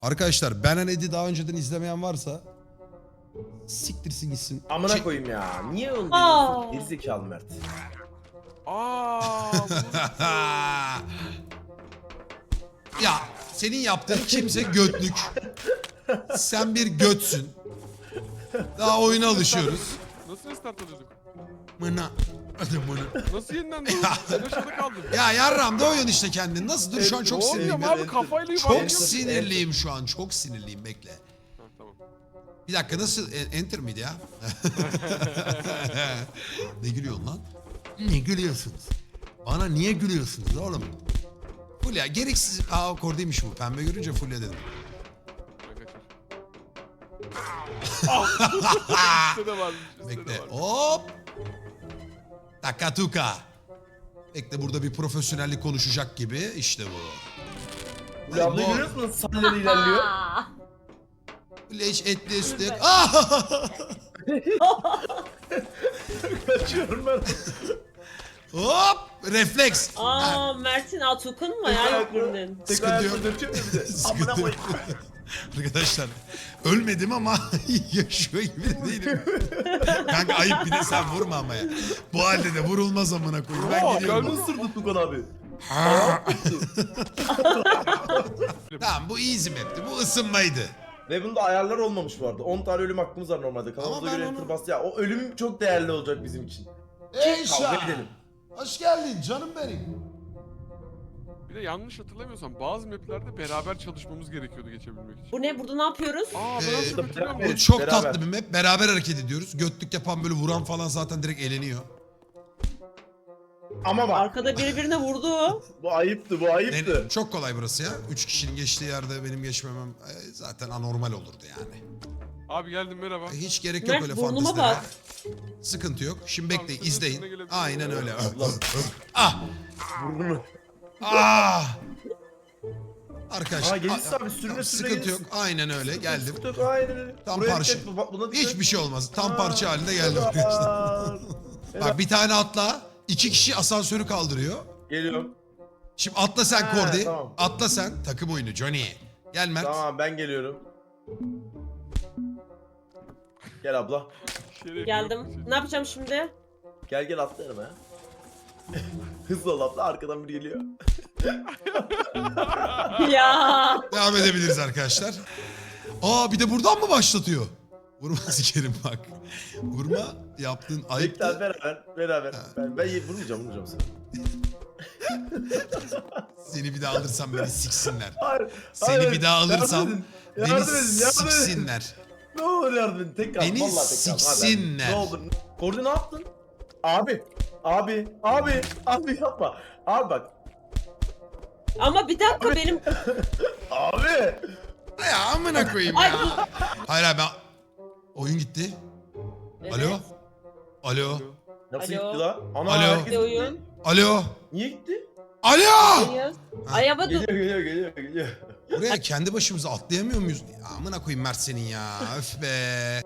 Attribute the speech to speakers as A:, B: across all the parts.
A: Arkadaşlar Ben and Eddie daha önceden izlemeyen varsa siktirsin gitsin.
B: Amına koyayım ya. Niye onu
C: Aa.
B: diyorsun? Gerizekalı Mert.
A: Ya senin yaptığın kimse götlük. Sen bir götsün. Daha oyuna alışıyoruz.
D: Nasıl restart alıyorduk?
A: Mına. Hadi mına.
D: Nasıl yeniden durdun? Ben aşağıda kaldım.
A: Ya yarram da oyun işte kendin. Nasıl dur şu an çok
D: Ne oluyor
A: sinirliyim.
D: abi
A: ya.
D: kafayla
A: Çok
D: yuvarlanıyorsun.
A: sinirliyim şu an. Çok sinirliyim bekle.
D: Ha, tamam.
A: Bir dakika nasıl enter miydi ya? Ne gülüyorsun lan? Ne gülüyorsunuz? Bana niye gülüyorsunuz oğlum? Fulya gereksiz... Aa kordaymış bu. Pembe görünce Fulya dedim.
D: Üstte de varmış. Üstte
A: Bekle.
D: de varmış.
A: Hop. Takatuka. Bekle burada bir profesyonellik konuşacak gibi. İşte bu.
B: Ya abla görüyor musun? Salları ilerliyor.
C: Aa.
A: Fulya hiç etli üstü.
C: Evet.
B: Kaçıyorum ben.
A: Hop. Refleks. Ha,
C: Aa, Mert'in Atuk'un mu ya yok birinin?
B: Tek
A: Sıkıntı yok.
B: ayakla döküyor mu bir de? Amına
A: Sıkıntı yok.
B: koyayım.
A: Arkadaşlar ölmedim ama yaşıyor gibi de değilim. Kanka ayıp bir de sen vurma ama ya. Bu halde de vurulmaz amına koyayım. Ben
B: Kalbini
A: gidiyorum.
B: ısırdı Tukan abi.
A: Tamam bu easy map'ti. Bu ısınmaydı.
B: Ve bunda ayarlar olmamış bu arada. 10 tane ölüm hakkımız var normalde. Kanalımıza
A: ben
B: göre
A: onu-
B: enter bastı. Ya o ölüm çok değerli olacak bizim için. Kavga edelim.
A: Hoş geldin canım benim.
D: Bir de yanlış hatırlamıyorsam bazı maplerde beraber çalışmamız gerekiyordu geçebilmek için.
C: Bu ne? Burada ne yapıyoruz?
D: Aa ben
A: Ee,
D: nasıl hatırlıyorum?
A: Bu
B: Evet,
A: çok
B: beraber.
A: tatlı bir map. Beraber hareket ediyoruz. Götlük yapan böyle vuran falan zaten direkt eğleniyor.
B: Ama bak
C: Arkada biri birine vurdu.
B: bu ayıptı bu ayıptı.
A: Çok kolay burası ya. 3 kişinin geçtiği yerde benim geçmemem zaten anormal olurdu yani.
D: Abi geldim merhaba.
A: Hiç gerek yok
C: Mert,
A: öyle
C: burnuma
A: fantezilere.
C: bak.
A: Sıkıntı yok. Şimdi
D: Tamam,
A: bekleyin,
D: senin
A: izleyin.
D: üstüne gelebilir.
A: Aynen öyle.
B: Allah.
A: Ah!
B: Burnunu.
A: Ah! Arkadaşlar.
B: Aa gelirse abi sürüne
A: tamam,
B: sürüne
A: sıkıntı
B: gelirsin.
A: yok. Aynen öyle. Geldim.
B: Sıkıntı yok, aynen öyle.
A: Tam
B: Buraya
A: parça.
B: dikkat, buna dikkat.
A: Hiçbir şey olmaz. Tam
B: Aa,
A: parça halinde geldim
B: helal.
A: arkadaşlar. Bak bir tane atla. 2 kişi asansörü kaldırıyor.
B: Geliyorum.
A: Şimdi atla sen
B: Ha,
A: Kordi.
B: tamam.
A: Atla sen. Takım oyunu Johnny. Gel Mert.
B: Tamam ben geliyorum. Gel abla.
D: Şeref yok.
C: Geldim. Ne yapacağım şimdi?
B: Gel gel atla yanıma ya. Hızlı ol abla arkadan biri geliyor.
C: Ya.
A: Devam edebiliriz arkadaşlar. Aa bir de buradan mı başlatıyor? Vurma sikerim bak. Vurma yaptığın
B: Bekle
A: ayıptı.
B: beraber. Ben vurmayacağım seni.
A: Seni bir daha alırsam beni siksinler.
B: Hayır.
A: Seni
B: hayır.
A: bir daha alırsam beni
B: Yardım edin.
A: siksinler.
B: Ne olur yardım edin. Tek kal.
A: Beni
B: Vallahi tek kal. Hadi,
A: siksinler.
B: hadi. Ne olur. Kordi ne yaptın? Abi yapma. Abi bak.
C: Ama bir dakika benim...
B: Abi.
A: Ya amına koyayım
C: Ay,
A: ya. Hayır abi ben... Oyun gitti.
C: Evet.
A: Alo. Alo.
B: Nasıl
C: Alo.
B: gitti lan? Ana
A: Alo.
B: herkes
C: Bir oyun.
B: gitti.
A: Alo.
B: Niye gitti?
A: Alo.
C: Hayır. Ay ama dur.
B: Geliyor.
A: Buraya kendi başımıza atlayamıyor muyuz? Ya amına koyayım Mert senin ya. Öf be.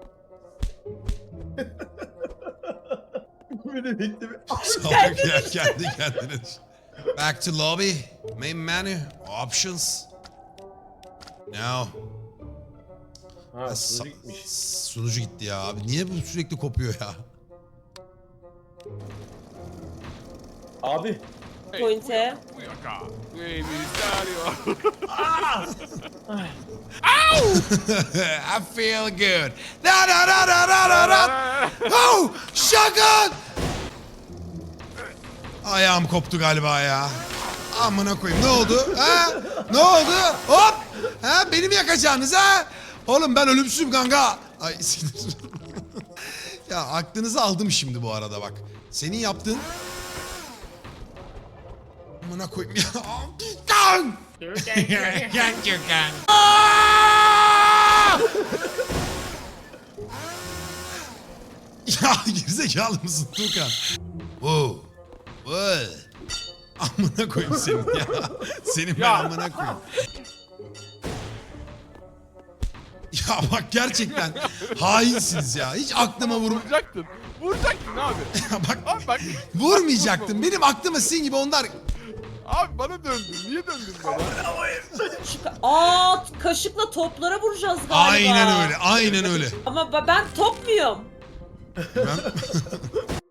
B: Beni bekle.
A: Salak ya kendi kendine. Back to lobby. Main menu. Options. No.
B: Ha sunucu gitmiş.
A: Sunucu gitti ya abi. Niye bu sürekli kopuyor ya?
B: Abi.
C: Pointe.
D: Bu yaka. Bu emisario.
A: I feel good. Da da da da da da da. Oh, shotgun. Ayağım koptu galiba ya. Amına koyayım. Ne oldu? Ha? Ne oldu? Hop. Ha? Beni mi yakacaksınız ha? Oğlum ben ölümsüzüm kanka. Ay sinir. Ya aklınızı aldım şimdi bu arada bak. Senin yaptığın... Amına koyayım ya. Kan! Aa! Ya gerizekalı mısın Tuğkan? Wow. Wow. Amına koyayım senin ya. Senin ben amına koyayım. Ya bak gerçekten hainsiniz ya. Hiç aklıma
D: Vuracaktın abi.
A: Ya bak
D: Abi bak.
A: vurmayacaktım. Benim aklıma sizin gibi onlar...
D: Abi bana döndün. Niye döndün bana?
C: Kaşıkla toplara vuracağız galiba.
A: Aynen öyle. Aynen öyle.
C: Ama ben top muyum?
A: Ben...